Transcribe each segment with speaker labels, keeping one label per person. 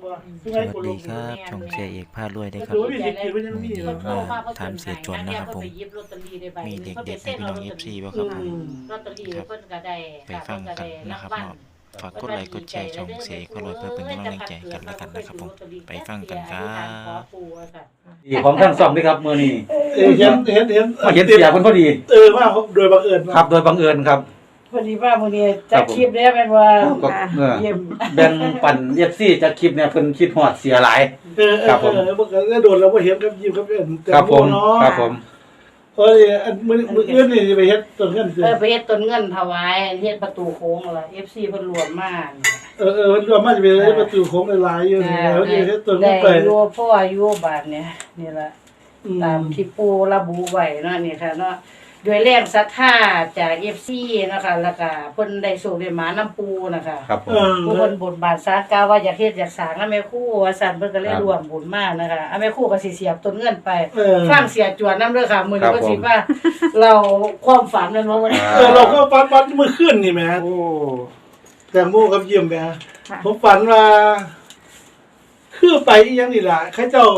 Speaker 1: สวัสดีครับช่องเสียเอกพารวยได้ครับวันนี้มาถามเสียจวนนะครับผมมีเด็กๆให้พี่น้องFCบ่ครับผมไปฟังกันนะครับเนาะฝากกดไลค์กดแชร์ช่องเสียเอกพารวยเพื่อเป็นกำลังใจกันแล้วกันนะครับผมไปฟังกันครับ
Speaker 2: ดีของท่านซ่อมด้วยครับมื้อนี้
Speaker 3: เห็น
Speaker 2: มาเห็นเสียคนพอดี
Speaker 3: ว่าโดยบังเอิญ
Speaker 2: ครับโดยบังเอิญครับ
Speaker 4: พอดีว่ามื้อนี้จัดคลิปได้แม่นว่า
Speaker 2: แบ่งปัน FC จัดคลิปเนี่ยเพิ่นคิดฮอดเสียหลาย
Speaker 3: ครับผมเมื่อกี้โดนแล้วบ่เห็นกับยิ้มกับเอิ้น
Speaker 2: ครับผมครับผม
Speaker 3: อันมื้ออื่นนี่สิไปเฮ็ดต้นเงิน
Speaker 4: ไปเฮ็ดต้นเงินถวายเฮ็ดประตูโค้งล่ะ FC เพิ่นรวมมา
Speaker 3: เพิ่นรวมมาสิไปเฮ็ดประตูโค้งหลายๆอยู่แล้วสิเฮ็ดต้นเงินไป
Speaker 4: อยู่พ่ออายุบาดเนี่ยนี่ล่ะตามที่ปู่ระบุไว้เนาะนี่ค่ะเนาะด้วยแรงศรัทธาจาก FC นะคะแล้วก็เพิ่นได้โชคได้หมาน้ำปูนะคะ
Speaker 2: ครับ
Speaker 4: ผู้เพิ่นบนบานศาลกล่าวว่าอยากเฮ็ดอยากสร้างแม่ครูว่าซั่นเพิ่นก็เลยร่วมบุญมานะคะแม่ครูก็สิเสียบต้นเงินไปฟังเสียจวนนำเด้อค่ะมื้อนี้ก็สิว่าเราความฝันนั้นว่า
Speaker 3: เราก็ฝันมื้อคืนนี่แหมโอ้แต่โมกับยิ้มแหมผมฝันว่าคือไปอีหยังนี่ล่ะเขาเจ้า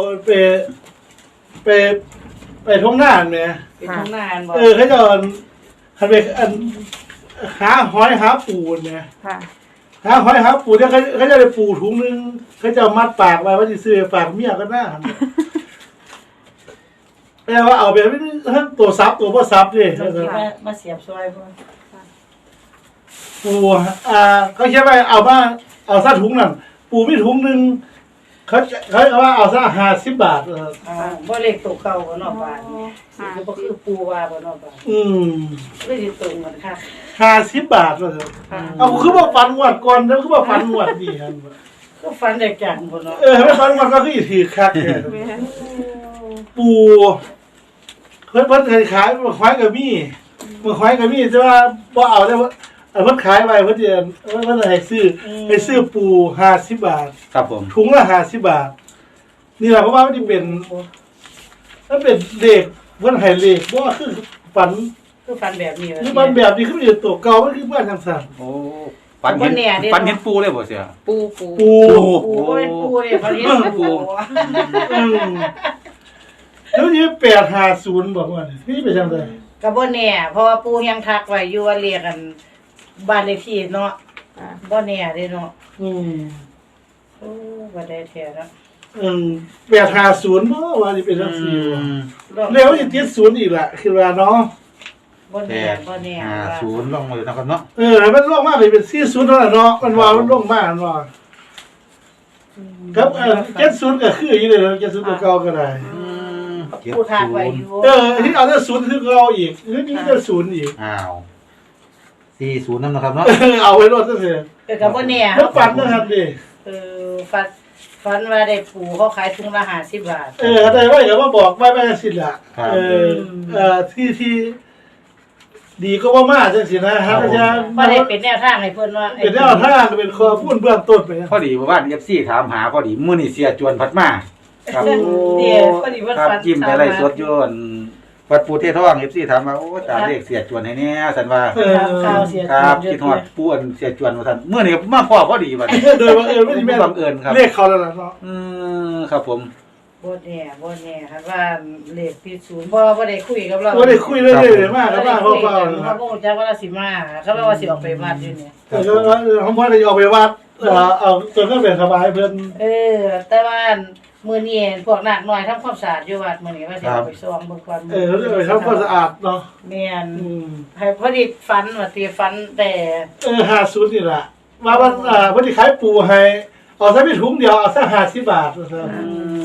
Speaker 3: ไปท้องนาแหม
Speaker 4: เป็นท้องนาบ่
Speaker 3: เขาเจ้าคันไปหาหอยหาปูเนี่ยหาหอยหาปูเนี่ยเขาจะได้ปูถุงนึงเขาจะมัดปากไว้ว่าจะซื้อฝากเมียก็น่าแปลว่าเอาไปทั้งตัวซับตัวพ่อซับดิ
Speaker 4: มาเสียบซอยพ่อ
Speaker 3: ปูเขาเขียนไปเอาซะถุงนั่นปูมีถุงนึงเขาว่าเอาซะ50 บาท
Speaker 4: บ่เลขตัวเก่าบ่เนาะบาทนี่บ่คือปูว่าบ่เนาะบาทเลยสิตรงกันค่ะ
Speaker 3: 50 บาทว่าซั่นเอาคือบ่ฟันงวดก่อนแล้วคือบ่ฟันงวดนี่หั่น
Speaker 4: ก็ฟันได้จังบ่เนาะ
Speaker 3: ไม่ฟันงวดก็คือถือคักแท้ปูเพิ่นขายบ่ขายก็มีบ่ขายก็มีแต่ว่าบ่เอาได้เพิ่นขายไว้เพิ่นให้ซื้อปู50 บาท
Speaker 2: ครับผม
Speaker 3: ถุงละ50 บาทนี่แหละเพราะว่ามันสิเป็นเลขเพิ่นให้เลขบ่คือฝัน
Speaker 4: แบบนี้
Speaker 3: คือฝันแบบนี้คือเป็นตัวเก่ามันคือบ้านจังซั่น
Speaker 2: โอ้ฝันเห็นปูเลยบ่เสีย
Speaker 4: ปูเป็นปูเนี่ยฝันเห็นปู
Speaker 3: แล้วนี่850บอกว่านี่เป็นจังได๋
Speaker 4: ก็บ่แน่เพราะว่าปูยังทักไว้อยู่ว่าเรียกกันบ้านเลขที่เนาะบ่แน่เด้เนาะโอ้บ่ได้แท้เนาะ
Speaker 3: 850บ่ว่าสิเป็นจังซี่แล้วสิติด0อีกล่ะคือว่าเนาะ
Speaker 4: บ่แน่
Speaker 2: 50ลงมาอยู่นะครับเนาะ
Speaker 3: มันลงมาเป็น40เท่านั้นเนาะมันว่ามันลงมาเนาะครับ70ก็คืออยู่เลย70ตัวเก่าก็ได้
Speaker 4: ปูทักไว้อยู่
Speaker 3: ที่เอาแต่0คือเก่าอีกนี่จะ0อีก
Speaker 2: อ้าว40นำนะครับเนาะ
Speaker 3: เอาไว้รถซะเถอะ
Speaker 4: ก็บ่แน่
Speaker 3: แล้วฝันนะครับดิ
Speaker 4: ฝันว่าได้ปูเขาขายถุงละ50 บาท
Speaker 3: ได้ไว้ก็มาบอกไว้สิล่ะที่ดีก็ว่ามาจังซี่นะครับอาจารย์
Speaker 4: บ่ได้เป็นแนวทางให้เพิ่นว่า
Speaker 3: เป็นแนวทางเป็นข้อมูลเบื้องต้นไป
Speaker 2: พอดีว่า FC ถามหาพอดีมื้อนี้เสียจวนพัดมา
Speaker 4: ครับพอดีว่า
Speaker 2: ฝันจิ้มไปไล่สดอยู่วัดปูเททอง FC ถามว่าโอ้ตาเลขเสียจวนให้แน่ซั่นว่า
Speaker 4: ข่าวเสียจวน
Speaker 2: ครับคิดฮอดปูอันเสียจวนว่าซั่นมื้อนี้มาพ้อพอดีบัด
Speaker 3: โดยบังเอิญไม่
Speaker 2: บังเอิญครับ
Speaker 3: เลขเขาแล้วล่ะเนาะ
Speaker 2: ครับผม
Speaker 4: บ่แน่ครับว่าเลขที่0บ่ได้คุยกับเรา
Speaker 3: บ่ได้คุยเลยมากกับบ้านพ่อ
Speaker 4: เขาบ่จักว่าสิมาเขาว่าสิออกไปวัดอยู่นี่
Speaker 3: เขาบ่ได้ออกไปวัดเอาตัวก็เป็นสบายเพิ่น
Speaker 4: แต่ว่ามื้อนี้พวกนักน้อยทำความสะอาดอยู่วัดมื้อนี้ว่าสิเอาไปซ่อมเบิ่งก่อน
Speaker 3: เขาจะไปทำความสะอาดเนาะ
Speaker 4: แม่นให้พอดีฝันว่าตีฝันแต่
Speaker 3: 50นี่ล่ะว่าพอดีขายปูให้เอาซะมีถุงเดียวเอาซะ50 บาทว่าซั่น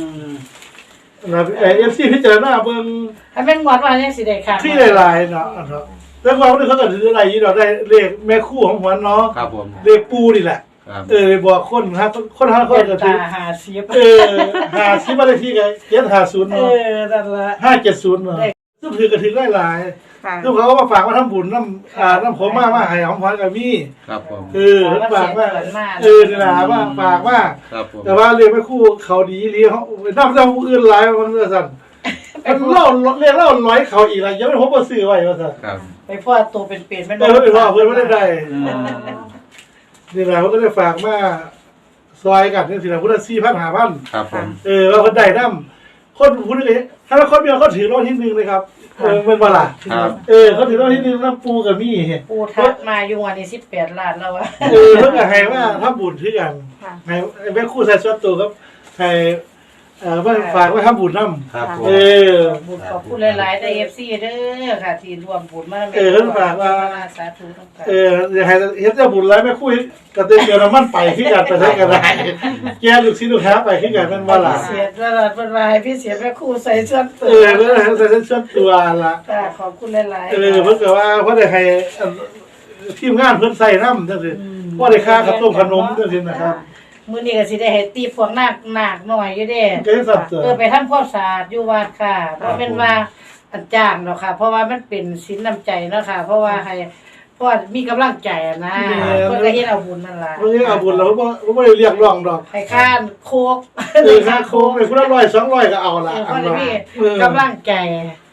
Speaker 3: FC พิจารณาเบิ่ง
Speaker 4: ให้แม่นงวดว่าจังสิได้ค่ะ
Speaker 3: ที่หลายๆเนาะแล้วว่าเขาก็ถืออะไรอยู่ดอกได้เลขแม่คู่ของหัวเนาะ
Speaker 2: ครับผม
Speaker 3: เลขปูนี่แหละบอกคนครับคนหาคนก็ถือ50บ้านเลขที่ก็750เนาะ
Speaker 4: นั่นล่ะ
Speaker 3: 570เนาะซึ่งถือก็ถือหลายๆซึ่งเขาก็มาฝากมาทำบุญน้ำผมมาให้ของขวัญก็มี
Speaker 2: ครับผม
Speaker 3: ฝากว่านี่ล่ะว่าฝากว่าแต่ว่าเรียกแม่คู่เขาดีเลี้ยงนำผู้อื่นหลายมันซั่นมันเล่าเรียกเล่าร้อยเขาอีกแล้วยังไม่พบว่าซื้อไว้ว่าซั่น
Speaker 4: ไปพ่อตัวเป็นๆ
Speaker 3: มันบ่ว่าเพิ่นบ่ได้นี่แหละเขาก็ได้ฝากมาซอยกันจังซี่ล่ะพุทธ4,000-5,000
Speaker 2: ครับผม
Speaker 3: ว่าเพิ่นได้นำคนผู้นึงถ้าคนเดียวเขาถือรางวัลที่1เลยครับเป็นบ่ล่ะ
Speaker 2: ครับ
Speaker 3: เขาถือรางวัลที่1นำปูก็มี
Speaker 4: ปูทักมาอยู่วันนี้18ล้านแล้วอะ
Speaker 3: เพิ่นก็ให้ว่าทำบุญคือกันให้แม่ครูใส่ส่วนตัวครับให้เพิ่นฝากไว้ทำบุญนำ
Speaker 2: ครับผม
Speaker 4: บุญขอบคุณหลายๆใน FC เด้อค่ะที่ร่วมบุญมา
Speaker 3: เพิ่นฝากว่า
Speaker 4: สาธุทั้งกัน
Speaker 3: อยากให้เฮ็ดแต่บุญหลายแม่ครูก็เตือนน้ำมันไปคือกันไปได้ก็ได้แกลูกศิษย์ลูกหาไปคือกันแม่นบ่ล่ะ
Speaker 4: เสียตลอดเพิ่นว่าให้พี่เสียแม่ครูใส่ส่วนตัว
Speaker 3: เพิ่นให้ใส่ส่วนตัวล่ะ
Speaker 4: ค่ะขอบคุณหลายๆ
Speaker 3: เพิ่นก็ว่าเพิ่นได้ให้ทีมงานเพิ่นใส่นำจังซี่บ่ได้ค่ากับต้มขนมจังซี่นะครับ
Speaker 4: มื้อนี้ก็สิได้ให้ตีพวกนาคหน่อยอยู่เด้
Speaker 3: ก็ได้สับเสริม
Speaker 4: ไปทำความสะอาดอยู่วัดค่ะบ่แม่นว่าอันจ้างเนาะค่ะ เพราะว่ามันเป็นศีลน้ำใจเนาะค่ะ เพราะว่าให้เพราะมีกำลังใจอะนะเพิ่นก็เฮ็ดเอาบุญนั่นล่ะ
Speaker 3: เพิ่นเอาบุญแล้วบ่ได้เรียกร้องดอก
Speaker 4: ให้ข้านโคก
Speaker 3: ค่าโค้งเลยคนละ100 200ก็เอาล่ะ
Speaker 4: เพราะว่ามีกำลังใจ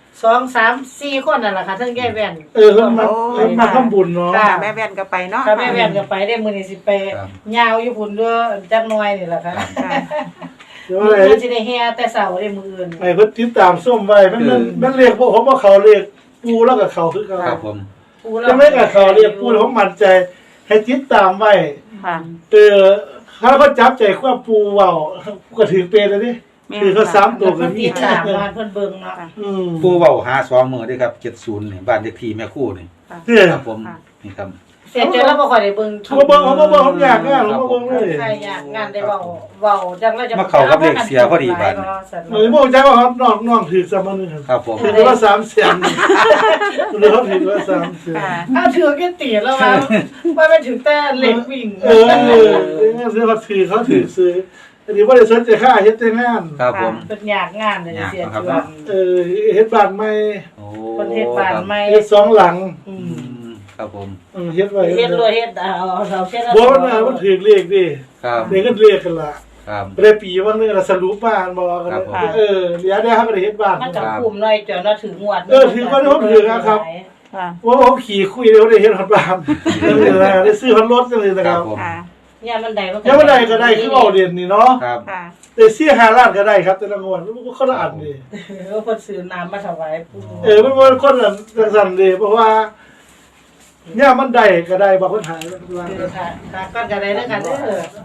Speaker 4: 2 3 4คนนั่นล่ะค่ะทั้งแย่แว่น
Speaker 3: เพิ่นมาทำบุญเนาะ
Speaker 4: ค่ะ
Speaker 5: แม่แว่นก็ไปเนาะ
Speaker 4: ถ้าแม่แว่นก็ไปได้มื้อนี้สิไปยาวอยู่พุ่นเด้อจักหน่อยนี่ล่ะค่ะ
Speaker 3: เดี๋ยว
Speaker 4: มื้
Speaker 3: อะไร
Speaker 4: อสิได้แห่แต่เช้าได้มื้ออื่น
Speaker 3: ไอ้เพิ่นติดตามส้มไว้มันเรียกพวกผมว่าเขาเรียกปูแล้วก็เขาคือเขา
Speaker 2: ครับผม
Speaker 3: จะไม่กับเขาเรียกปูผมมั่นใจให้ติดตามไว้
Speaker 5: ค่ะ
Speaker 3: ถ้าเขาจับใจความปูเว้าก็ถือเป็นแล้วดิคือเขา3ตัวก็
Speaker 4: เพิ่น
Speaker 3: มี
Speaker 4: ติดตามบ้านเพิ่นเบิ่งเนาะ
Speaker 2: ปูเว้าหา2มื้อเด้ครับ70นี่บ้านเลขที่แม่ครูนี่
Speaker 3: เนี่ย
Speaker 2: ครับผมนี่ครับ
Speaker 4: เสียใจแล้วบ่ค่อยได้เบิ่ง
Speaker 3: ผมผมอยากงานผมบอกเลย
Speaker 4: ใครอยากงานได้เว้าจังแล้วจะ
Speaker 2: มาเข้ากับเลขเสียพอดีบัด
Speaker 3: เลยบอกใจว่าเขาน้องถือ3มื้อครับ
Speaker 2: ครับผม
Speaker 3: ถือว่า3แสนหรือเขาถือว่า3แสน
Speaker 4: ถ้าถือแค่ตีแล้วว่าไม่ถึงแต่เล็กวิ่ง
Speaker 3: ซื้อเขาถือซื้ออันนี้ว่าได้สนใจค่าเฮ็ดแต่งาน
Speaker 2: ครับผม
Speaker 4: เป็นอยากงานเลยเสียจวน
Speaker 3: เฮ็ดบ้านใหม่
Speaker 2: โอ้
Speaker 4: คนเฮ็ดบ้านใหม่
Speaker 3: เฮ็ด2หลัง
Speaker 2: ครับผม
Speaker 3: เฮ็ดไว้
Speaker 4: เฮ็ดรวยเฮ็ดเอาเราเช่น
Speaker 3: บ่มันถือเลขดิ
Speaker 2: ครับ
Speaker 3: เด็กก็เรียกกันล่ะ
Speaker 2: ครับ
Speaker 3: ได้ปีว่านึงละสรุปบ้านบ่กันเดี๋ยวได้ครับได้เฮ็ดบ้าน
Speaker 4: มันจะคุมหน่อยจนเราถึงงวด
Speaker 3: ถือว่าผมถือครับ
Speaker 5: ค่ะ
Speaker 3: ว่าผมขี่คุยเดี๋ยวได้เฮ็ดฮอดบ้านได้ซื้อฮอดรถจังเลยนะ
Speaker 2: ค
Speaker 3: ค
Speaker 2: รั
Speaker 3: รั
Speaker 2: บบ ผม
Speaker 5: ค่ะ
Speaker 4: เนี่ยมันได้
Speaker 3: ยังบ่ได้ก็ได้คือเอาเรียนนี่เนาะ
Speaker 2: ครับ
Speaker 5: ค่ะ
Speaker 3: ได้ซื้อ5ล้านก็ได้ครับแต่ละงวดมันคนละอันนี่
Speaker 4: เพิ่นซื้อน้ำมาถวายปู่
Speaker 3: มันบ่คนละจังซั่นเด้เพราะว่าเนี่ยมันได้ก็ได้บ่คนหาย
Speaker 4: ค่ะก็จะได้แล้วกันเด้อ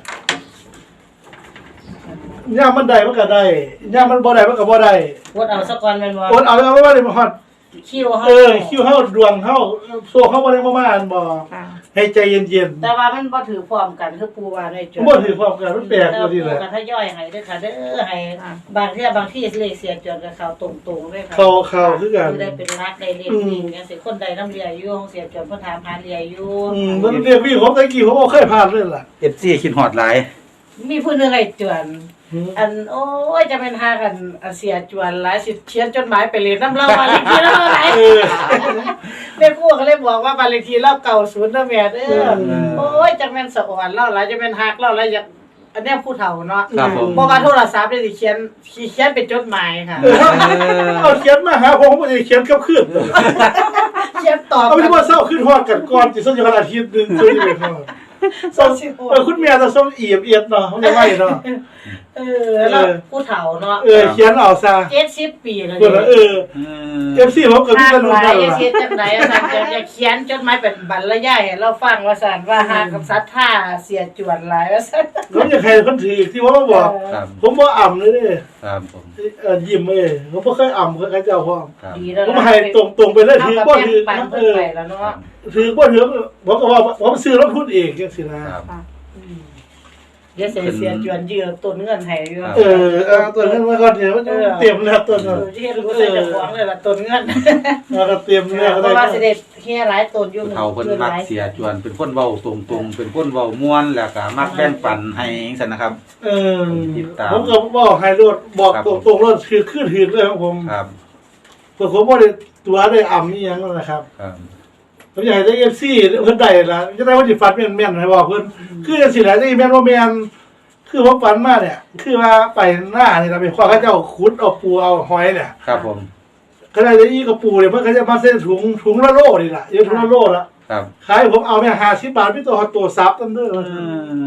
Speaker 3: เนี่ยมันได้มันก็ได้เนี่ยมันบ่ได้มันก็บ่ได้
Speaker 4: วดเอาสักก่อนแม่นบ่
Speaker 3: อดเอาแล้วว่าได้มาฮอด
Speaker 4: คิวเฮา
Speaker 3: คิวเฮาดวงเฮาโซ่เฮาบ่ได้มาอันบ่
Speaker 5: ค่ะ
Speaker 3: ให้ใจเย็น
Speaker 4: แต่ว่ามันบ่ถือพร้อมกันคือปู่ว่าได้จ
Speaker 3: ๆบ่ถือความกันมันแปลกอยู่นี่แหละ
Speaker 4: กันถ้าย่อยให้เด้อค่ะเด้อให้บางที่เลขเสียจนกับเขาตรงๆด้วยค่ะ
Speaker 3: เขาคือกัน
Speaker 4: ได้เป็นรักได้เลขวิ่งจังซี่คนใดนำเรียอยู่ของเสียจนเพิ่นถามหาเรียอยู่
Speaker 3: มันเรียกวิ่งผมตะกี้ผมบ่เคยผ่านเลยล่ะ
Speaker 2: FC คิดฮอดหลาย
Speaker 4: มีผู้หนึงไอ้จวนอันโอ้ยจะเป็นหากันเสียจวนหลายสิเขียนจดหมายไปเรียนนำเราบ้านเลขที่เราหลายแม่ครูก็เลยบอกว่าบ้านเลขที่เราเก่า0เด้อแม่เด้อโอ้ยจังแม่นสะอ่อนเราหลายจะเป็นฮักเราหลายอยากอันเนี้ยผู้เฒ่าเนาะ
Speaker 2: ครับผม
Speaker 4: บ่ว่าโทรศัพท์ได้สิเขียนเป็นจดหมายค่ะ
Speaker 3: เอาเขียนมาหาผมบ่ได้เขียนกับคืน
Speaker 4: เขียนตอบ
Speaker 3: เอาไม่ว่าเศร้าขึ้นฮอดกันก่อนสิสักอย่างอาทิตย์นึงคือเลยครับคุณแม่ต้องส่งอีบเนาะมันจะไว้เนาะ
Speaker 4: แล้วผู้เฒ่าเนาะ
Speaker 3: เขียนเอาซะ
Speaker 4: 70 ปีแล้ว
Speaker 3: เพิ่นว่าFC ผมก็มี
Speaker 4: หาก
Speaker 3: กันรู้
Speaker 4: หลา
Speaker 3: กั
Speaker 4: ย
Speaker 3: นล่ะ
Speaker 4: เฮ็ดจังได๋อาจารย์จะเขียนจดหมายเป็นบรรยายให้เราฟังว่าซั่นว่าหากกับศรัทธาเสียจวนหลายว่าซั่น
Speaker 3: ผมอยากให้คนถือที่ว่าบอก
Speaker 2: ครับ
Speaker 3: ผมบ่อ่ำเลยเด้
Speaker 2: ครับผม
Speaker 3: ยิ้มผมบ่เคยอ่ำกับเจ้าพ่อ
Speaker 2: ครับ
Speaker 4: ดีแล้ว
Speaker 3: ผมให้ตรงๆไปเลยถือบ่ถือ
Speaker 4: ปันเพิ่นไปแล้วเนาะ
Speaker 3: ถือบ่ถือผมก็ว่าผมซื้อแล้วพูดเองจังซี่นะครับ
Speaker 4: เดี๋ยวเสียจวนยืมต้นเงินให้อยู่
Speaker 3: ตัวนั้นมาก่อนเดี๋ยวเตรียมแล้วตัวนั้น
Speaker 4: เฮ็ดรู้ใส่เจ้าของเลยล่ะต้นเงิน
Speaker 3: ก็เตรียมแล้วก็
Speaker 4: เพ
Speaker 3: ได้
Speaker 4: ราะว่าสิได้เฮียหลายต้นอยู่
Speaker 2: เขาเพิ่นมักเสียจวนเป็นคนเว้าตรงๆเป็นคนเว้าม่วนแล้วก็มักแบ่งปันให้จังซั่นนะครับ
Speaker 3: ผมก็บอกให้รถบอกตรงๆรถคือขึ้นถือเลยของผม
Speaker 2: ครับ
Speaker 3: ผมบ่ได้ตัวได้อ่ำนี่หยังนะครับ
Speaker 2: ครับ
Speaker 3: ผมอยากให้ได้ FC เพิ่นได้ล่ะจะได้ว่าสิฟัดแม่นๆให้บอกเพิ่นคือจังซี่แหละที่แม่นบ่แม่นคือผมฝันมาเนี่ยคือว่าไปหน้านี่เราไปคว้าเขาเจ้าขุดเอาปูเอาหอยเนี่ย
Speaker 2: ครับผม
Speaker 3: ก็ได้อีกระปูเนี่ยเพิ่นก็จะมาเส้นถุงละโลนี่ล่ะอยู่ถุงละโลละ
Speaker 2: ครับ
Speaker 3: ขายผมเอาแม่50 บาทพี่ตัวซับตั้งเด้อ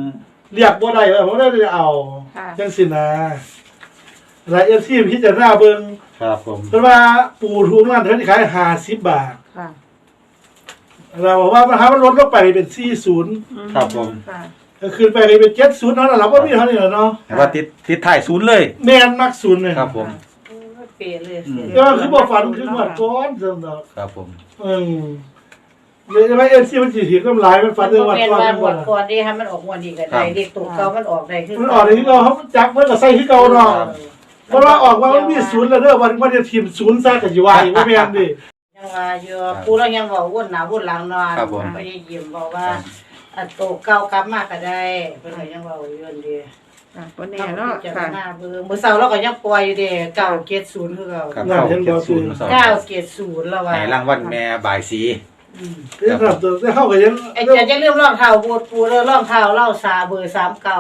Speaker 3: เรียกบ่ได้ผมได้เอา
Speaker 5: ค่ะ
Speaker 3: จังสินะหลาย FC พิจารณาเบิ่ง
Speaker 2: ครับผม
Speaker 3: เพราะว่าปูทุกนั้นเท่าที่ขาย50 บาท
Speaker 5: ค่ะ
Speaker 3: เราบอกว่ามันลดลงไปเป็น40
Speaker 2: ครับผม
Speaker 5: ค่ะ
Speaker 3: ก็ขึ้นไปเป็น70เนาะเราบ่มีเท่านี้แล้วเนาะ
Speaker 2: แต่ว่าติดท้ายศูนย์เลย
Speaker 3: แม่นมัก0เลย
Speaker 2: ครับผม
Speaker 4: เปลี่ยนเลย
Speaker 3: ก็คือบ่ฝันคือหมดก่อนซั่นดอก
Speaker 2: ครับผม
Speaker 3: เลยว่า FC มันสิถือกำไรมันฝันเรื่องวัด
Speaker 4: เป็น
Speaker 3: ก่อน
Speaker 4: ว่า
Speaker 3: มัน
Speaker 4: หม
Speaker 3: บ่
Speaker 4: ด
Speaker 3: ล่ะ
Speaker 4: ก่อนที่ให้มันออกวันดีกันได้เด็กตัวเก่ามันออกได้คือ
Speaker 3: มันออกในที่เราเขาจักเพิ่นก็ใส่ที่เก่าเนาะเพราะว่าออกมามันมี0แล้วเด้อวันจะทีม0ซะก็สิว่าอีกบ่แม่นดิ
Speaker 4: ยังว่าอยู่ปูเรายังบอกวนหน้าวนหลังนอน
Speaker 2: ครับผม
Speaker 4: ไปยิ้มบอกว่าอันโตเก่ากลับมาก็ได้เพิ่นก็ยังเว้าอยู่นั่นดี
Speaker 5: ค่ะวันนี้เนาะ
Speaker 4: จะ
Speaker 5: ค่ะ
Speaker 4: หน้าเบิ่งมื้อเช้าเราก็ยังปล่อยอยู่เด้970คือเก่า
Speaker 2: ครับเข้าเก็บศูนย์มาสอง
Speaker 4: 970แล้วว่า
Speaker 2: ในรางวัลแม่บ่ายสี
Speaker 3: เรื่องครับตัวได้เข้าก็ยัง
Speaker 4: ไอ้จะลืมรองเท้าบูทปูเด้อรองเท้าเราซาเบอร์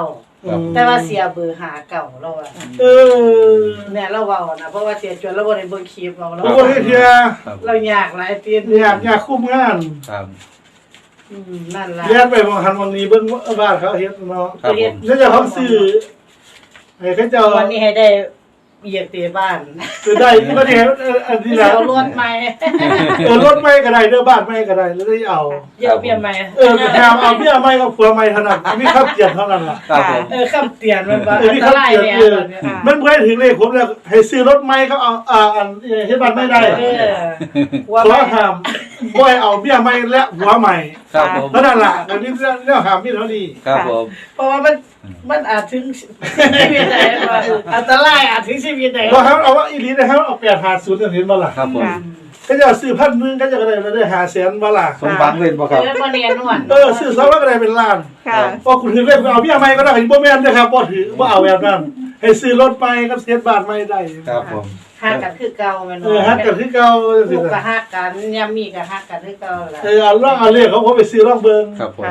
Speaker 4: 39แต่ว่าเสียเบอร์59เราว่า
Speaker 3: เออ
Speaker 4: เนี่ยเราเว้านะเพราะว่าเสียจนเราบ่ได้เบิ่งคลิปเรา
Speaker 3: โอ้ยเทีย
Speaker 2: ครับ
Speaker 4: เรายากหลายตีน
Speaker 3: อยากคุ้มงาน
Speaker 2: ครับ
Speaker 4: นั่นล่ะ
Speaker 3: เรียนไปบางคันวันนี้เบิ่งบ้านเขาเฮ็ดเนาะ
Speaker 2: ครับผม
Speaker 3: แล้วจะเขาซื้อให้เขาเจ้า
Speaker 4: วันนี้ให้ได้เหยียบเตะบ้าน
Speaker 3: ซื้อได้ก็ได้อันนี้แหละ
Speaker 4: เอารถใหม่
Speaker 3: รถไม่ก็ได้เด้อบ้านไม่ก็ได้แล้วได้เอา
Speaker 4: เหยียบเปลี่ยนใหม่
Speaker 3: แถมเอาเบี้ยไม่กับผัวไม่เท่านั้นมีข้าวเกียรเท่านั้นล่ะ
Speaker 2: ครับผม
Speaker 4: คำเตือนมันว่า
Speaker 3: เออ
Speaker 4: อัน
Speaker 3: มี
Speaker 4: ต
Speaker 3: ข้าว
Speaker 4: ราย
Speaker 3: เกียร
Speaker 4: เนี่ย
Speaker 3: มันเพื่อถึงเลขผมแล้วให้ซื้อรถไม่เขาเอาอันเฮ็ดบ้านไม่ได้
Speaker 4: หัว
Speaker 3: ขอ
Speaker 4: ใหม่
Speaker 3: ห้ามบ่ให้เอาเบี้ยไม่และหัวใหม่
Speaker 2: ครับผม
Speaker 3: เท่านั้นล่ะอันนี้เรื่องห้ามมีเท่านี้
Speaker 2: ครับผม
Speaker 4: เพราะว่ามันอาจถึงชีวิตไหนอันตรายอาจถึงชีวิตไหน
Speaker 3: เราครับเอาว่าอีลีนะครับเอา850เห็นบ่ล่ะ
Speaker 2: ครับผม
Speaker 3: ก็จะซื้อ1,000ก็จะได้แล้วได้500,000บ่ล่ะ
Speaker 2: สมหวังเล่นบ่ครับ
Speaker 4: มันเรียนนวล
Speaker 3: ซื้อ2ก็ได้เป็นล้าน
Speaker 5: ค่ะ
Speaker 3: พอคุณถือเลขเอาเบี้ยไม่ก็ได้บ่แม่นเด้อครับบ่ถือบ่เอาแบบนั้นให้ซื้อรถไปกับเสียบาทไม่ได้
Speaker 2: ครับผม
Speaker 4: ฮักกันคือเก่าแม่น
Speaker 3: ฮักกันคือเก่าจัง
Speaker 4: ลู
Speaker 3: ซี่
Speaker 4: กก็
Speaker 3: นะ
Speaker 4: ฮักกันยามมีก็ฮักกันคือเก่าล่ะ
Speaker 3: เอาลองเอาเลขเขาผมไปซื้อลองเบิ่ง
Speaker 2: ครับผม
Speaker 5: ค่ะ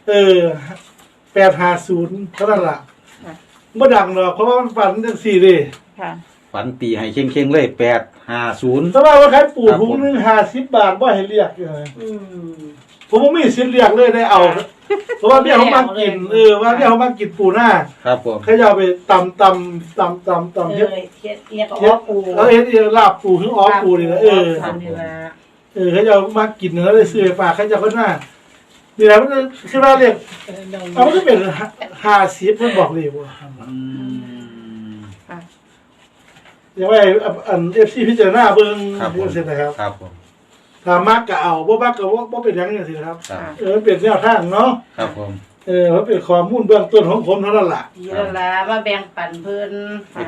Speaker 3: 850เท่านั้นล่ะบ่ดังหรอกเพราะว่ามันฝันจังซี่เด้
Speaker 5: ค่ะ
Speaker 2: ฝันตีให้เข่งๆเลย850
Speaker 3: แต่ว่าขายปูถุงนึง50 บาทบ่ให้เรียกเลย ผมบ่มีสิทธิ์เรียกเลยได้เอา เพราะว่าเบี้ยเขามากินว่าเบี้ยเขามากินปูหน้า
Speaker 2: ครับผม
Speaker 3: เขาจะเอาไปตำเฮ็ด
Speaker 4: เฮ็ดเอียงก็ออกปู
Speaker 3: แล้วเฮ็ดลาบปูถึงออกปูนี่แหละ
Speaker 4: นี่ล่ะ
Speaker 3: เขาจะเอามากินแล้วได้ซื้อไปฝากเขาจะคนหน้านี่แหละมันคือว่าเรียกเอามันก็เป็น50เพิ่นบอกเลยว่า
Speaker 5: ค่ะ
Speaker 3: อย่างว่าอัน FC พิจารณาเบิ่ง
Speaker 2: ครับผม
Speaker 3: จังซี่นะครับ
Speaker 2: ครับผม
Speaker 3: ถ้ามักก็เอาบ่มักก็บ่เป็นหยังจังซี่นะครับ
Speaker 2: ครับ
Speaker 3: มันเป็นแนวทางเนาะ
Speaker 2: ครับผม
Speaker 3: มันเป็นข้อมูลเบื้องต้นของผมเท่านั้นล่ะ
Speaker 4: นี่ล่ะมาแบ่งปันเพิ่น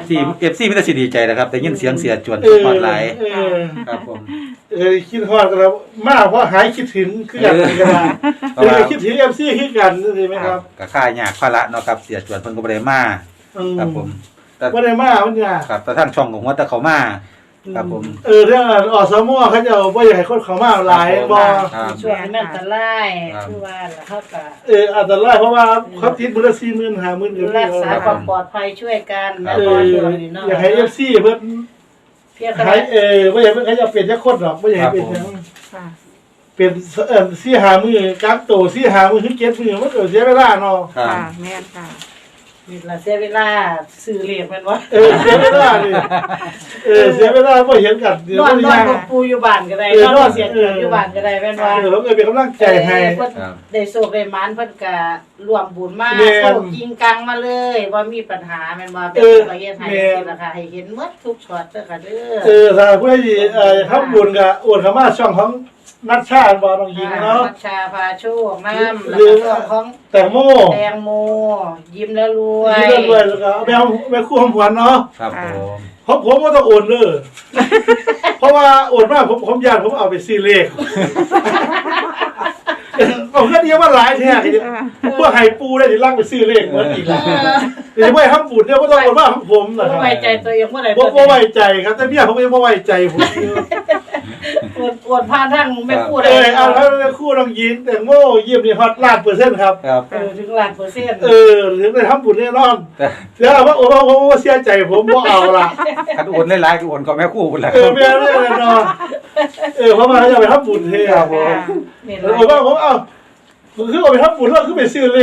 Speaker 2: FC มีแต่สิดีใจนะครับได้ยินเสียงเสียจวน
Speaker 3: เออ
Speaker 2: ฮอดหลาย
Speaker 3: เออ
Speaker 2: ครับผม
Speaker 3: คิดฮอดกันแล้วมาเพราะหายคิดถึงคือกันกันนะคิดถึง FC คือกันใช่ไหมครับ
Speaker 2: ก็ค่ายากภาระเนาะครับเสียจวนเพิ่นก็บ่ได้มาครับผมแต่
Speaker 3: บ่ได้มามันยาก
Speaker 2: ครับแต่ทางช่องของว่าแต่เขามาครับผม
Speaker 3: เรื่องอสมเขาจะบ่อยากให้คนเข้ามาหลายบ่
Speaker 2: ครับ
Speaker 4: ช่วยให้มันอันตรายคือว่าล่ะเฮาก็
Speaker 3: อันตรายเพราะว่าเขาติดมื้อละ40,000 50,000ก็
Speaker 4: รักษาความปลอดภัยช่วยกันแม่
Speaker 3: เอ
Speaker 4: บ่
Speaker 3: อ
Speaker 4: เดี๋ยวนี้เนาะ
Speaker 3: อยากให้ FC เพิ่น
Speaker 4: เพียงแต่
Speaker 3: ให้บ่อยากให้เขาจะเป็นจักคนหรอกบ่อยากให้เป็นหยัง
Speaker 5: ค่ะ
Speaker 3: เป็น4-5 มื้อกักโต4-5 มื้อถึง7 มื้อมันก็เสียเวลาเนาะ
Speaker 2: ครับ
Speaker 5: ค่ะแม่นค่ะ
Speaker 4: นี่ล่ะเสียเวลาซื้อเลขแม่นบ่
Speaker 3: เสียเวลาดิเสียเวลาบ่เห็นกันเดี๋ยวน
Speaker 4: อน
Speaker 3: บ่
Speaker 4: นอน
Speaker 3: ยาก
Speaker 4: กับปูอยู่บ้านก็ได้นอนเสียงอยู่บ้านก็ได้แม่นบ่
Speaker 3: ผมก็เป็นกำลังใจให้
Speaker 4: เพิ่นได้โชคได้หมานเพิ่นก็ร่วมบุญมา
Speaker 3: แม่น
Speaker 4: โชคจริงกังมาเลยว่ามีปัญหาแม่นบ่เป็นประเทศไทยนี่ล่ะค่ะให้เห็นหมดทุกช็อตเด้อค่ะเด้อ
Speaker 3: ถ้าผู้ใดทำบุญก็โอนเข้ามาช่องของนัชชาบ่น้องหญิงเนาะ
Speaker 4: มัชชาพาโชคน้ำ
Speaker 3: หรือ
Speaker 4: แล้วก็ของ
Speaker 3: แตงโม
Speaker 4: แตงโมยิ้มแล้วรวย
Speaker 3: ที่เรื่อยๆแล้วก็เอาไปคู่หอมหวานเนาะ
Speaker 2: ครับผม
Speaker 3: ผมก็ต้องโอนเลยเพราะว่าโอนมาผมญาติผมเอาไปซื้อเลขผมก็เดียวว่าหลายแท้พวกไห้ปูได้สิลักไปซื้อเลขเหมือนอีกแล้วเดี๋ยวไม่ทำบุญเนี่ยก็ต้องโอนมาของผมนะค
Speaker 4: บ่
Speaker 3: รับ
Speaker 4: ไว้ใจตัวเองเมื่อไหร่
Speaker 3: บ่ไว้ใจครับแต่เมียผมก็ยังบ่ไว้ใจผม
Speaker 4: อวดผ่านทางไม่พูด
Speaker 3: เอาแล้วคู่น้องยินแต่โม่เยี่ยมนี่ฮอต1,000,000%ครับ
Speaker 2: ครับ
Speaker 4: ถึงล้านเปอร์เซ็นต์
Speaker 3: ถึงได้ทำบุญแน่นอน
Speaker 2: แต่
Speaker 3: เสียว่าโอ้โหเสียใจผมบ่เอาล่ะ
Speaker 2: คันโอนหลายๆก็โอนก็แม่คู่พุ่นแหละ
Speaker 3: แม่แน่นอนเพราะว่าเขาจะไปทำบุญเท่ครับผม
Speaker 4: นี่
Speaker 3: ผมว่าผมเอาคือเอาไปทำบุญแล้วคือไปซื้อเลข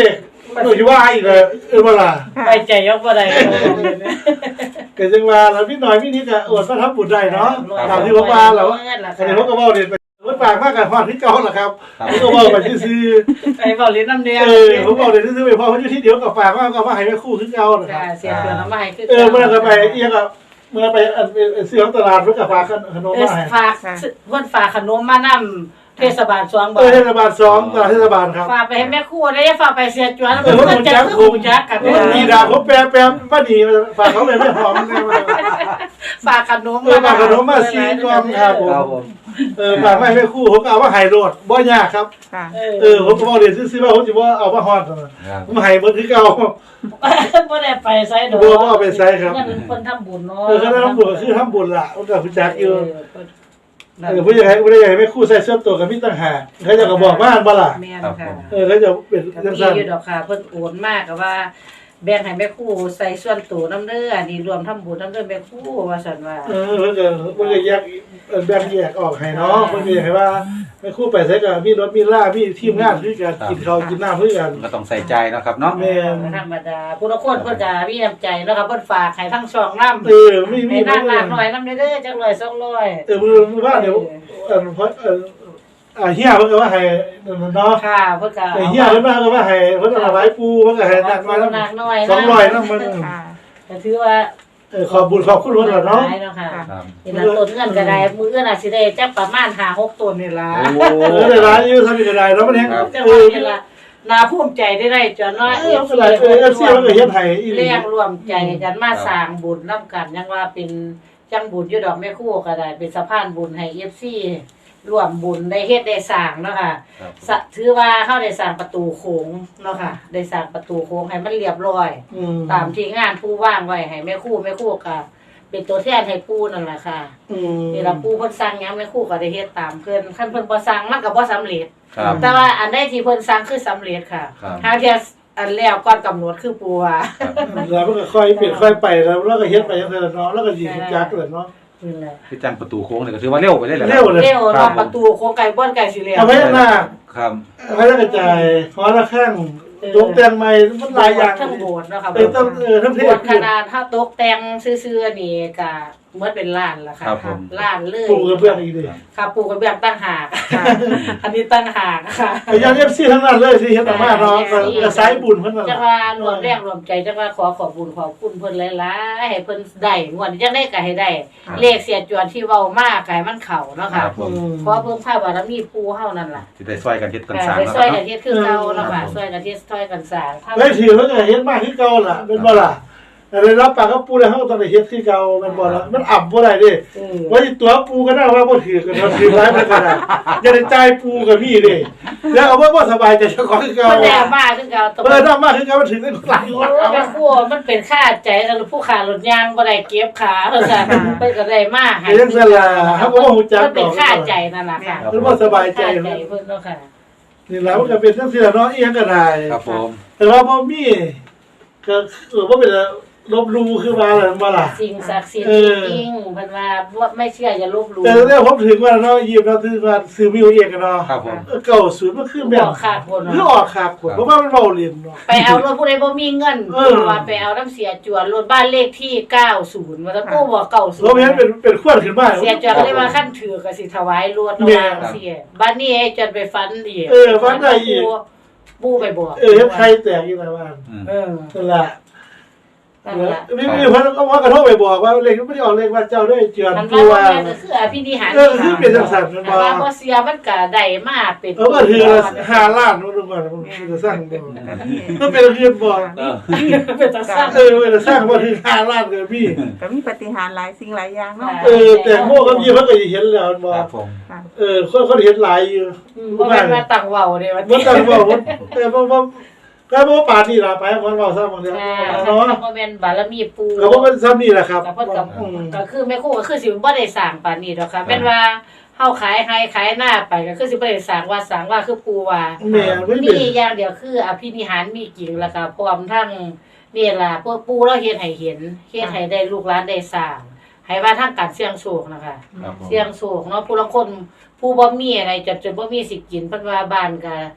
Speaker 3: หนูที่ว่าอีกเลยว่าล่ะ
Speaker 4: ไปใจยกบ่ได้
Speaker 3: ก็จังว่าแล้วพี่หน่อยพี่นิดก็อวดมาทำบุญได้เนาะตามที่ผมว่าแล้วอันนี้ผมก็เว้าเรียนไปรถปากมากกับความที่เก่าล่ะครับผมก็เว้าไปซื่อ
Speaker 4: ไปเว้าลิ้นน้ำเดียว
Speaker 3: ผมเว้าเรียนซื่อไปพอมันอยู่ที่เดียวกับฝากว่าก็มาให้แม่คู่คือเก่าน่ะครับ
Speaker 4: เสียเตือนมาให้คือ
Speaker 3: เมื่อก็ไปเอียงก็เมื่อไปซื้อของตลาดเพิ่นก็ฝากขนมมาให้
Speaker 4: ฝากเพิ่นฝากขนมมานำเทศบาล2บาท
Speaker 3: เทศบาล2ตลาดเทศบาลครับ
Speaker 4: ฝากไปให้แม่ครูได้ฝากไปเสียจวนเพิ่นจะคือฮู้จักกัน
Speaker 3: มีดาผมแปลป้าดีฝากเขาไปไม่หอมเลยมา
Speaker 4: ฝากขนม
Speaker 3: ฝากขนมมา4กล่องครับผมฝากให้แม่คู่ผมก็เอามาให้โลดบ่ยากครับ
Speaker 5: ค่ะ
Speaker 3: ผมก็บอกเรียนซื้อๆว่าผมจะว่าเอามาฮอดผมให้เบิดคือเก่า
Speaker 4: บ่ได้ไปไสดอก
Speaker 3: บ่เอาไปใช้ครับ
Speaker 4: เงินเพิ่นทำบุญเนาะ
Speaker 3: คณะทำบุญก็คือทำบุญล่ะผมก็รู้จักอยู่ผู้ใหญ่แม่คู่ใส่เสื้อตัวกับมีต่างหากเขาจะก็บอกว่าบ่ล่ะ
Speaker 4: แม่นค่ะ
Speaker 3: เขาจะเป็นจัง
Speaker 4: มี
Speaker 3: ซั่น
Speaker 4: อยู่ดอกค่ะเพิ่นโอนมากก็ว่าแบ่งให้แม่ครูใส่ส่วนตัวนำเด้ออันนี้รวมทำบุญนำเด้อแม่ครูว่าซั่นว่า
Speaker 3: เพิ่นก็แยกแบ่งแยกออกให้เนาะเพิ่นก็อยากให้ว่าแม่คู่ไปใส่ก็มีรถมีลามีทีมงานคือกันกินข้าวกินน้ำคือกัน
Speaker 2: ก็ต้องใส่ใจเนาะครับเนาะ
Speaker 3: แม่น
Speaker 4: ธรรมดาผู้ละคนเพิ่นก็มีน้ำใจเนาะค่ะเพิ่นฝากให้ทั้งช่องนำ
Speaker 3: มี
Speaker 4: ให้นางลากหน่อยนำเด้อจัก100 200
Speaker 3: มือว่าเดี๋ยวเพราะเฮียเพิ่นก็ว่าให้เนาะ
Speaker 4: ค่ะเพิ่นก็
Speaker 3: เฮียเพิ่นว่าให้เพิ่นเอาไว้ปูเพิ่นก็ให้หนักมาแล้ว
Speaker 4: หนักหน่อย
Speaker 3: 200นำมัน
Speaker 5: ค่ะ
Speaker 4: ก็ถือว่า
Speaker 3: ขอบคุณเพิ่นล่ะเนาะ
Speaker 4: ค่ะ
Speaker 2: ครับ
Speaker 4: นี่ล่ะต้นเงินก็ได้มื้อน่ะสิได้จักประมาณ5-6ต้นนี่ล่ะ
Speaker 3: ได้หลายอยู่ทำอีกได้แล้วมันแฮง
Speaker 4: จังว่านี่ล่ะน่าภูมิใจได้จนเนาะ
Speaker 3: ก็หลายFC มันก็เฮ็ดให้อีหลี
Speaker 4: เรียกรวมใจกันมาสร้างบุญนำกันยังว่าเป็นจังบุญอยู่ดอกแม่ครูก็ได้เป็นสะพานบุญให้ FC ร่วมบุญได้เฮ็ดได้สร้างเนาะค่ะถือว่าเฮาได้สร้างประตูโค้งเนาะค่ะได้สร้างประตูโค้งให้มันเรียบร้อย ตามที่งานผู้ว่างไว้ให้แม่ครูก็เป็นตัวแทนให้ปู่นั่นล่ะค่ะนี่ล่ะปู่เพิ่นสั่งหยังแม่ครูก็ได้เฮ็ดตามเพิ่นคันเพิ่นบ่สั่งมันก็บ่สำเร็จ
Speaker 2: ครับ
Speaker 4: แต่ว่าอันใดที่เพิ่นสั่งคือสำเร็จค่ะ
Speaker 2: ครับ
Speaker 4: หาเที่ยอันแล้วก่อนกำหนดคือปู่ว่า
Speaker 3: แล้วมันก็ค่อยเปลี่ยนค่อยไปแล้วก็เฮ็ดไปจังซั่นเนาะแล้วก็สิจักเลยเนาะ
Speaker 4: นี่แหละ
Speaker 2: คือจังประตูโค้งเนี่ยก็ถือว่าเร็วไปได้แหละ
Speaker 3: เร็วเลย
Speaker 4: เร็วเนาะประตูโค้งไก่บ่อนไก่สิแล้ว
Speaker 3: เอาไว้หน้า
Speaker 2: ครับ
Speaker 3: เอาไว้กระจายขอละข้างตกแต่งใหม่มันหลายอย่าง
Speaker 4: ทั้งโบสถ์เนาะค่ะ
Speaker 3: ต้องทั้งเท
Speaker 4: โบ
Speaker 3: ศ
Speaker 4: สถ์ขนาดถ้าตกแต่งซื่อๆนี่ก็เหมือนเป็นล้านล่ะค่ะ
Speaker 2: ครับผม
Speaker 4: ล้านเลย
Speaker 3: ปูกระเบื้องอีกดิ
Speaker 4: ค่ะปูกระเบื้องตั้งหากอันนี้ตั้งหากค่ะ
Speaker 3: พยายาม FC ทั้งนั้นเลยสิเฮ็ดออกมาเนาะก็สายบุญเพิ่นน่ะ
Speaker 4: จังว่ารวมแรงรวมใจจังว่าขอขอบคุญขอบคุณเพิ่นหลายๆให้เพิ่นได้งวดนี้จังได้ก็ให้ได้ เลขเสียจวนที่เว้ามากก็ให้มันเข้าเนาะ
Speaker 2: ค
Speaker 4: ค่ะ
Speaker 2: รับผม
Speaker 4: ขอเพิ่มค่าบารมีปู่เฮานั่นล่ะ
Speaker 2: สิได้ช่วยกันเฮ็ดกัน
Speaker 4: ค่ะ
Speaker 2: สร้าง
Speaker 4: ไป
Speaker 2: เนาะ
Speaker 4: ช่วย
Speaker 2: ค
Speaker 4: กั
Speaker 2: รั
Speaker 4: น
Speaker 2: บ
Speaker 4: เฮ็ดคือเก่าเนาะค่ะช่วยกันเฮ็ดช่วยกันสร้าง
Speaker 3: ไว้ถือเพิ่นก็เฮ็ดมากคือเก่าล่ะเป็นบ่ล่ะได้รับปากกับปูแล้วเฮาต้องได้เฮ็ดคือเก่าแม่นบ่ล่ะมันอั่บ่ได้เด้ว่าสิตัวปูก็ได้ว่าบ่ถือกันถือหลายเพิ่นก็ได้อย่าได้จ่ายปูก็มีเด้แล้วเอาบ่สบายใจเจ้าของคือเก่า
Speaker 4: มันได้มาคือเก่าต
Speaker 3: นำมาคือเก่ามันถือได้หลาย
Speaker 4: โอ้แม่ครัวมันเป็นค่าใจแล้วผู้ขารถยางบ่ได้เก็บขาเพิ่นซั่นเพิ่นก็ได้มาให้
Speaker 3: จังซั่นล่ะเฮาก็บ่ฮู้จัก
Speaker 4: มันเป็นค่าใจนั่นล่ะค่ะ
Speaker 3: มันบ่สบายใจ
Speaker 4: ค่าใจเพิ่นเนาะค่ะ
Speaker 3: นี่แล้วมันก็เป็นจังซี่ล่ะเนาะอีหยังก็ได้
Speaker 2: ครับผม
Speaker 3: แต่ว่าบ่มีก็บ่เป็นลบลู่คือว่าอะไรบ่ล่ะ
Speaker 4: สิ่งศักดิ์สิทธิ์จริงๆเพิ่นว่าไม่เชื่ออย่าลบหลู่
Speaker 3: แต่เนี่ยผมถึงว่าเนาะยิบเนาะถึงว่าซื้อวิวเองกันเนาะ
Speaker 2: ครับผม
Speaker 3: เก่าศูนย์มันคือแบบ
Speaker 4: บอกขาดคน
Speaker 3: คือออกขาดคนเพราะว่ามันเบาเรียนเนาะ
Speaker 4: ไปเอารถผู้ใดบ่มีเงินว่าไปเอาน้ำเสียจวนรถบ้านเลขที่90ว่าแต่ปู่บอก90
Speaker 3: รถนี้เป็นขวดขึ้นมา
Speaker 4: เสียจวนก็เลยว่าขั้นถือก็สิถวายรถระวางเสียบ้านนี้ไอ้จนไปฟันอีกปู่ไปบอก
Speaker 3: ใครแตกอีกแล้วว่า
Speaker 4: นั่น
Speaker 3: นั่นแหละ
Speaker 4: นั่นล่ะ
Speaker 3: มีเพิ่นก็ว่ากระทบไปบอกว่าเลขไม่ได้ออกเลขว่าเจ้าด้วยเจือน
Speaker 4: มัน
Speaker 3: ตัว
Speaker 4: ว่าก็คืออภินิหาร
Speaker 3: คือเป็นจังซั่นมันบ่
Speaker 4: ว่าบ่เสียมันก็ได้มาเป็น
Speaker 3: ก็ถือ5ล้านนู่นนู่นมันจะสร้างบ่มันเป็นเรื่องบ่
Speaker 4: เป็นจังซั่น
Speaker 3: มันจะสร้างบ่ถึง5ล้านก็มี
Speaker 5: ก็มีปฏิหารย์หลายสิ่งหลายอย่างเนาะ
Speaker 3: แต่โง่ก็มีเพิ่นก็เห็นแล้วบ่
Speaker 2: ครับผม
Speaker 5: ค่ะ
Speaker 3: คนเห็นหลายอยู่
Speaker 4: บ่แม่นว่าตั้งเว้าเด้ว่า
Speaker 3: มันต้องบอกว่าแต่บ่ก็บ่ปานี่ล่ะไปคนเว้าซ้ำบางเดียว
Speaker 4: เนาะ
Speaker 3: เนาะ
Speaker 4: บ่แม่นบารมีปู่
Speaker 3: ก็บ่เป็นซ้ำนี่แหละครับ
Speaker 4: ก็เพิ่นก็คือแม่ครูก็คือสิบ่ได้สร้างปานนี้ดอกค่ะแม่นว่าเฮาขายให้ขายหน้าไปก็คือสิบ่ได้สร้างว่าคือปู่ว่า
Speaker 3: แม่ไม่
Speaker 4: มี
Speaker 3: เป็น
Speaker 4: อย่างเดียวคืออภินิหารมีจริงแล้วก็พร้อมทั้งนี่ล่ะพวกปู่เราเฮ็ดให้เห็นเฮ็ดให้ได้ลูกหลานได้สร้างให้ว่าทางการเสี่ยงโชคนะคะ
Speaker 2: ครับผม
Speaker 4: เสี่ยงโชคเนาะผู้ลางคนผู้บ่มีอะไรจนบ่มีสิกินเพิ่นว่าบ้านก็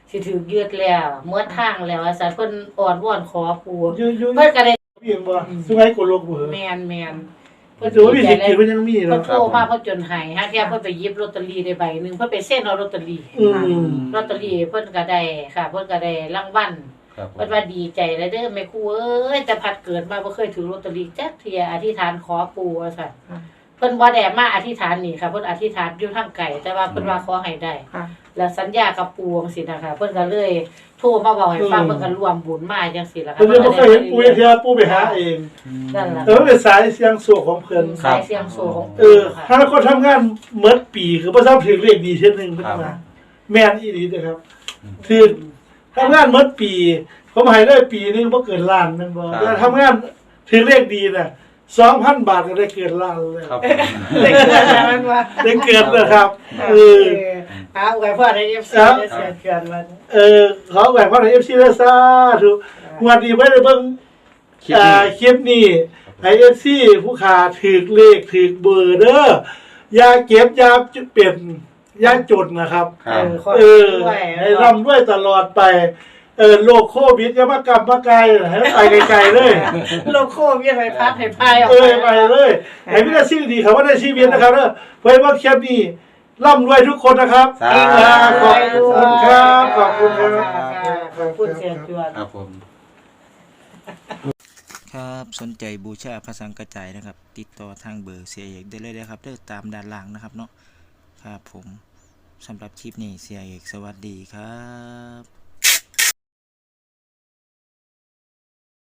Speaker 4: สิถูกยึดแล้วเมื่อทางแล้วว่าซั่นเพิ่นอ้อนวอนขอปู่
Speaker 3: อยู่
Speaker 4: เพิ่นก็ได้
Speaker 3: พี่บ่สมัยกดลกบ่
Speaker 4: แม่นเพิ่น
Speaker 3: ถือว่ามีสิทธิ์กินเพิ่นยังมี
Speaker 4: เพิ่
Speaker 3: เนาะ
Speaker 4: นโทรมาเพิ่นจนให้ฮะแค่เพิ่นไปหยิบลอตเตอรี่ได้ใบหนึงเพิ่นไปเซ็นเอาลอตเตอรี่ ลอตเตอรี่เพิ่นก็ได้ค่ะเพิ่นก็ได้รางวัล
Speaker 2: ครับผม
Speaker 4: เพิ่นว่าดีใจแล้วเด้อแม่ครูเอ้ยแต่พัดเกิดมาบ่เคยถือลอตเตอรี่จักเที่ยอธิษฐานขอปู่ว่าซั่นเพิ่นบ่ได้มาอธิษฐานนี่ค่ะเพิ่นอธิษฐานอยู่ทางไกลแต่ว่าเพิ่นว่าขอให้ได้
Speaker 5: ค่ะ
Speaker 4: แล้วสัญญากับปู่จังซี่นะคะเพิ่นก็เลยโทรมาบอกให้ฟังเพิ่นก็ร่วมบุญมาจังซี่ล่ะค่ะ
Speaker 3: เพิ่นบ่เคยเห็นปู่เที่ยวปู่ไปหาเอง
Speaker 4: นั่นล่ะ
Speaker 3: แต่ว่าเป็นสายเสียงโศกของเพิ่น
Speaker 4: สายเสียงโซของ
Speaker 3: ถ้าคนทำงานเมิดปีคือบ่ทราบถึงเลขดีเช่นนึงเพิ่นว่าแม่นอีหลีเด้อครับคือทำงานเมิดปีผมให้ได้ปีนึงบ่เกินล้านแม่นบ่แต่ทำงานถึงเลขดีน่ะ 2,000 บาทก็ได้เกินล้านเลย
Speaker 2: ครับ
Speaker 4: ได้เกิดแล้วมันว่า
Speaker 3: ได้เกินเลยครับ
Speaker 4: เอาไว้พ่อได้ FC ได้เสียเกินมัน
Speaker 3: ขอแหวนพระใน FC ได้ซาถูกงวดนี้ไว้ได้เบิ่งคลิปนี้ให้ FC ผู้ขาถูกเลขถูกเบอร์เด้ออย่าเก็บอย่าเป็นอย่าจดนะครับ
Speaker 2: ครับ
Speaker 3: ให้ร่ำด้วยตลอดไปโรคโควิดอย่ามากลับมาไกลให้ไปไกลๆเลย
Speaker 4: โลโก้มีอะไรพัดให้พายออก
Speaker 3: ไปเลยให้มีแต่สิ่งดีเขาว่าได้ชีวิตนะครับเด้อเพื่อว่าคลิปนี้ร่ำรวยทุกคนนะครับ
Speaker 2: สาธุ
Speaker 3: ขอบคุณครับขอบคุณครับ
Speaker 4: ขอบคุณเสียจวน
Speaker 2: ครับผม
Speaker 1: ครับสนใจบูชาพระสังกระจายนะครับ ติดต่อทางเบอร์เสียเอกได้เลยนะครับเด้อตามด้านล่างนะครับเนาะครับผมสำหรับคลิปนี้เสียเอกสวัสดีครับ